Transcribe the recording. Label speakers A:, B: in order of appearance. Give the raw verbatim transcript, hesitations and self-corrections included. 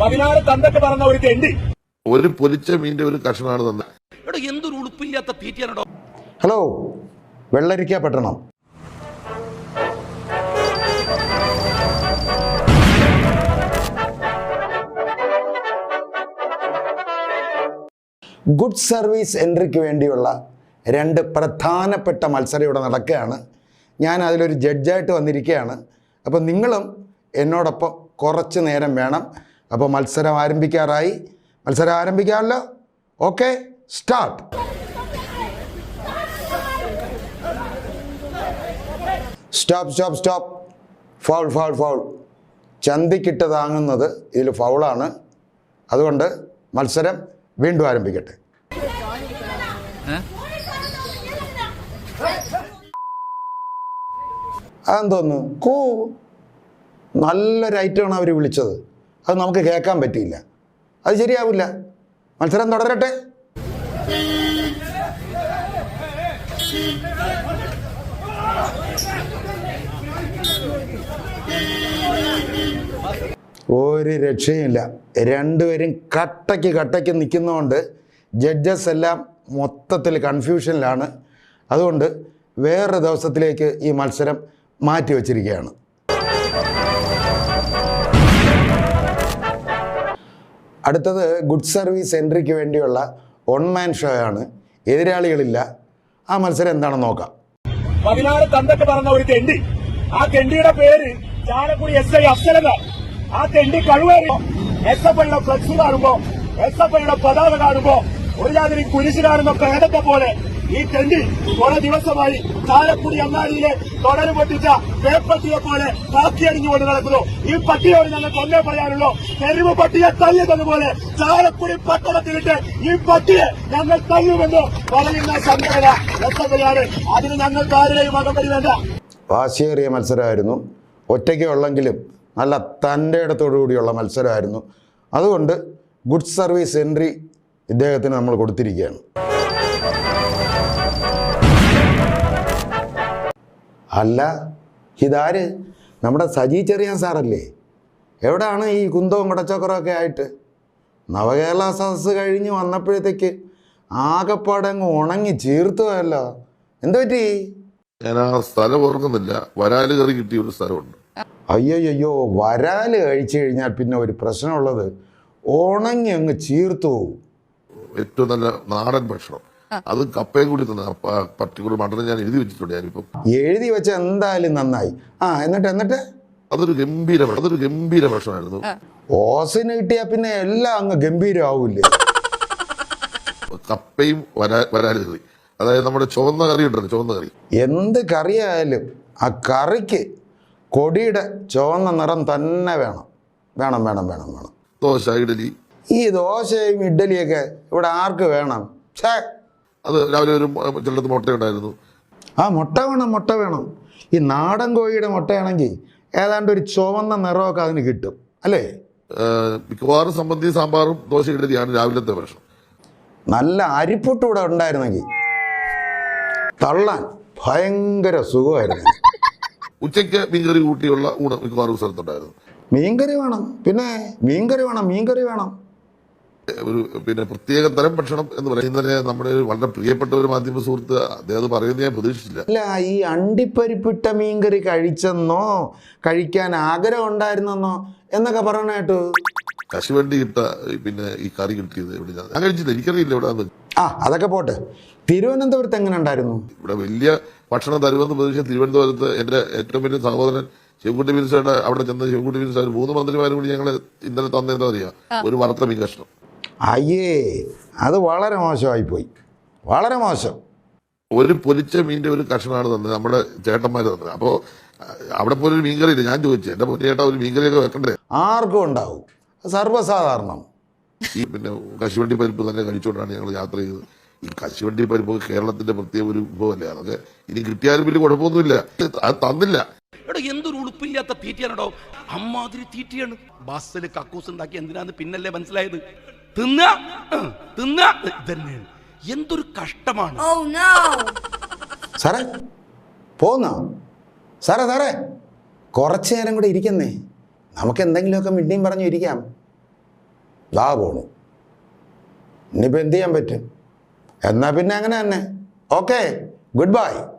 A: പതിനാറ് തന്തൊക്കെ പറഞ്ഞ ഒരു തെണ്ടി
B: ഒരു പൊലിച്ച മീൻ്റെ ഒരു കഷ്ണമാണ് തന്നെ.
C: എന്തൊരു ഉളുപ്പില്ലാത്ത തീറ്റയാണോ.
D: ഹലോ, വെള്ളരിക്ക പട്ടണം. ഗുഡ് സർവീസ് എൻട്രിക്ക് വേണ്ടിയുള്ള രണ്ട് പ്രധാനപ്പെട്ട മത്സരം ഇവിടെ നടക്കുകയാണ്. ഞാൻ അതിലൊരു ജഡ്ജായിട്ട് വന്നിരിക്കുകയാണ്. അപ്പോൾ നിങ്ങളും എന്നോടൊപ്പം കുറച്ച് നേരം വേണം. അപ്പോൾ മത്സരം ആരംഭിക്കാറായി. മത്സരം ആരംഭിക്കാമല്ലോ. Okay, start. Stop stop stop. Foul foul foul. ചന്തിക്കിട്ട് താങ്ങുന്നത് ഇതിൽ ഫൗളാണ്. അതുകൊണ്ട് മത്സരം വീണ്ടും ആരംഭിക്കട്ടെ. അതെന്തോന്നു കൂ നല്ലൊരു ഐറ്റമാണ് അവർ വിളിച്ചത്. അത് നമുക്ക് കേൾക്കാൻ പറ്റിയില്ല. അത് ശരിയാവില്ല. മത്സരം തുടരട്ടെ. ഒരു രക്ഷയുമില്ല. രണ്ടുപേരും കട്ടയ്ക്ക് കട്ടയ്ക്ക് നിൽക്കുന്നതുകൊണ്ട് ജഡ്ജസ് എല്ലാം മൊത്തത്തിൽ കൺഫ്യൂഷനിലാണ്. അതുകൊണ്ട് വേറൊരു ദിവസത്തിലേക്ക് ഈ മത്സരം മാറ്റി വച്ചിരിക്കുകയാണ്. അടുത്തത് ഗുഡ് സർവീസ് എൻട്രിക്ക് വേണ്ടിയുള്ള വൺ മാൻ ഷോ ആണ്. എതിരാളികളില്ല. ആ മത്സരം എന്താണെന്ന് നോക്കാം.
A: പതിനാറ് തന്തൊക്കെ പറഞ്ഞ ഒരു തെണ്ടി, ആ തെണ്ടിയുടെ പേര് ചാലക്കുടി എസ് ഐ അഫ്സല. ആ തെണ്ടി കഴിവേറി എസ് എഫ് ഐയുടെ ഫ്ലക്സ് കാണുമ്പോ, എസ് എഫ് ഐയുടെ പതാക കാണുമ്പോ ഒരു ജാതിരി കുരിശ് കാണുന്ന പേദത്തെ പോലെ ഈ തെണ്ടി കുറെ ദിവസമായി ചാലക്കുടി അങ്ങാടിയിലെ തുടര് പൊട്ടിച്ച പേപ്പട്ടിയെ പോലെ കാക്കിയടിഞ്ഞുകൊണ്ട് നടക്കുന്നു. ഈ പട്ടിയോട് ഞങ്ങൾക്ക് ഒന്നേ പറയാനുള്ളൂ, തെരുവ് പട്ടിയെ തല്ലിയതുപോലെ ചാലക്കുടി പട്ടണത്തിലിട്ട് ഈ പട്ടിയെ ഞങ്ങൾ തല്ലുമെന്ന് പറയുന്ന സംഘടന എസ് എഫ് ഐ ആണ്. അതിന് ഞങ്ങൾക്ക് ആരുടെയും അകമ്പടി വേണ്ട.
D: വാശിയേറിയ മത്സരമായിരുന്നു. ഒറ്റയ്ക്ക് ഉള്ളെങ്കിലും നല്ല തൻ്റെ ഇടത്തോടു കൂടിയുള്ള മത്സരമായിരുന്നു. അതുകൊണ്ട് ഗുഡ് സർവീസ് എൻട്രി ഇദ്ദേഹത്തിന് നമ്മൾ കൊടുത്തിരിക്കുകയാണ്. അല്ല, ഇതാര്? നമ്മുടെ സജി ചെറിയാൻ സാറല്ലേ? എവിടെയാണ് ഈ കുന്തവും കുടച്ചക്കറൊക്കെ ആയിട്ട്? നവകേരള സദസ്സ് കഴിഞ്ഞ് വന്നപ്പോഴത്തേക്ക് ആകെപ്പാടെ അങ്ങ് ഉണങ്ങി ചീർത്തുമല്ലോ. എന്തു പറ്റി?
B: ഞാൻ ആ സ്ഥലം ഓർക്കുന്നില്ല. വരാല് കറി കിട്ടിയ ഒരു സ്ഥലമുണ്ട്.
D: അയ്യോയ്യോ, വരാല് കഴിച്ചു കഴിഞ്ഞാൽ പിന്നെ ഒരു പ്രശ്നമുള്ളത്, ഉണങ്ങി അങ്ങ് ചീർത്തു പോകും.
B: ഏറ്റവും നല്ല നാടൻ ഭക്ഷണം, അത് കപ്പയും കൂടി തന്നെ പർട്ടിക്കുലർ മട്ടൺ ഞാൻ എഴുതി വെച്ചിട്ടുണ്ട്. ഞാനിപ്പം
D: എഴുതി വെച്ച എന്തായാലും നന്നായി. ആ എന്നിട്ട് എന്നിട്ട്
B: അതൊരു ഗംഭീര അതൊരു ഗംഭീര ഭക്ഷണമായിരുന്നു.
D: ഓസിന് കിട്ടിയാ പിന്നെ എല്ലാം അങ്ങ് ഗംഭീരമാവൂലേ?
B: കപ്പയും വരാ വരാല് കറി, അതായത് നമ്മുടെ ചുവന്ന കറി ഉണ്ടല്ലോ, ചുവന്ന കറി.
D: എന്ത് കറിയായാലും ആ കറിക്ക് കൊടിയുടെ ചുവന്ന നിറം തന്നെ വേണം. വേണം വേണം വേണം വേണം
B: ദോശ, ഇഡലി. ഈ
D: ദോശയും ഇഡ്ഡലിയൊക്കെ ഇവിടെ ആർക്ക് വേണം? ഛേ,
B: അത് രാവിലെ ഒരു ചിലടത്ത് മുട്ടയുണ്ടായിരുന്നു.
D: ആ മുട്ട വേണം, മുട്ട വേണം. ഈ നാടൻ കോഴിയുടെ മുട്ടയാണെങ്കിൽ ഏതാണ്ട് ഒരു ചുവന്ന നിറമൊക്കെ അതിന് കിട്ടും അല്ലേ?
B: മിക്കവാറും സംബന്ധി സാമ്പാറും ദോശ ഇഡലിയാണ് രാവിലത്തെ ഭക്ഷണം.
D: നല്ല അരിപ്പൊട്ട് ഇവിടെ ഉണ്ടായിരുന്നെങ്കിൽ തള്ളാൻ ഭയങ്കര സുഖമായിരുന്നു.
B: ഉച്ചയ്ക്ക് മീൻകറി കൂട്ടിയുള്ള ഊണ് മിക്കവാറും സ്ഥലത്തുണ്ടായിരുന്നു.
D: മീൻകറി വേണം, പിന്നെ മീൻകറി വേണം, മീൻകറി വേണം.
B: ഒരു പിന്നെ പ്രത്യേക തരം ഭക്ഷണം എന്ന് പറയുന്നത് ഇന്നലെ നമ്മുടെ വളരെ പ്രിയപ്പെട്ട ഒരു മാധ്യമ സുഹൃത്ത് അദ്ദേഹം പറയുന്നത് ഞാൻ പ്രതീക്ഷിച്ചില്ല.
D: അല്ല, ഈ അണ്ടിപ്പരിപ്പിട്ട മീൻകറി കഴിച്ചെന്നോ കഴിക്കാൻ ആഗ്രഹം ഉണ്ടായിരുന്നെന്നോ എന്നൊക്കെ പറയണ കേട്ടു.
B: കശുവണ്ടി ഇട്ട പിന്നെ ഈ കറി കിട്ടിയത് ഇവിടെ ഞാൻ കഴിച്ചില്ല, എനിക്കറിയില്ല ഇവിടെ.
D: ആ അതൊക്കെ പോട്ടെ. തിരുവനന്തപുരത്ത് എങ്ങനെ ഉണ്ടായിരുന്നു?
B: ഇവിടെ വലിയ ഭക്ഷണം തരുമെന്ന് പ്രതീക്ഷിച്ച തിരുവനന്തപുരത്ത് എൻ്റെ ഏറ്റവും വലിയ സഹോദരൻ ശിവൻകുട്ടി മിനിസ്റ്ററുടെ അവിടെ ചെന്ന ശിവൻകുട്ടി മിനിസ്റ്റർ മൂന്ന് മന്ത്രിമാരും കൂടി ഞങ്ങൾ ഇന്നലെ തന്നെന്താ അറിയാം, ഒരു വറുത്ത മീൻ കഷ്ണം.
D: അയ്യേ, അത് വളരെ മോശമായിപ്പോയി, വളരെ മോശം.
B: ഒരു പൊരിച്ച മീൻ്റെ ഒരു കഷ്ണമാണ് തന്നത് നമ്മുടെ ചേട്ടന്മാർ തന്നത്. അപ്പോൾ അവിടെ പോലൊരു മീൻകറി ഇല്ല. ഞാൻ ചോദിച്ചു, എൻ്റെ പൊന്നു ചേട്ടാ ഒരു മീൻകറിയൊക്കെ വെക്കണ്ടേ?
D: ആർക്കും ഉണ്ടാവും, സർവ്വസാധാരണം.
B: ഈ പിന്നെ കശുവണ്ടി പരിപ്പ് തന്നെ കഴിച്ചുകൊണ്ടാണ് ഞങ്ങൾ യാത്ര ചെയ്തത്. ഈ കശുവണ്ടി പരിപ്പ് കേരളത്തിന്റെ പ്രത്യേക ഒരു വിഭവമല്ലേ, അതൊക്കെ ഇനി കിട്ടിയാലും വലിയ കുഴപ്പമൊന്നുമില്ല. അത് തന്നില്ല.
C: എന്തൊരു ഉളുപ്പില്ലാത്ത തീറ്റയാണോ. അമ്മാതിരി തീറ്റയാണ്. ബസ്സിൽ കക്കൂസ് ഉണ്ടാക്കി എന്തിനാന്ന് പിന്നല്ലേ മനസ്സിലായത്. തിന്ന തിന്ന തന്നെയാണ്. എന്തൊരു കഷ്ടമാണ്.
D: സാറേ പോന്നോ? സാറേ സാറേ കുറച്ചു നേരം കൂടെ ഇരിക്കുന്നേ, നമുക്ക് എന്തെങ്കിലുമൊക്കെ മിണ്ടിയും പറഞ്ഞു ഇരിക്കാം. ദാ പോണു. ഇനിയിപ്പോൾ എന്ത് ചെയ്യാൻ പറ്റും? എന്നാൽ പിന്നെ അങ്ങനെ തന്നെ. Okay, good by.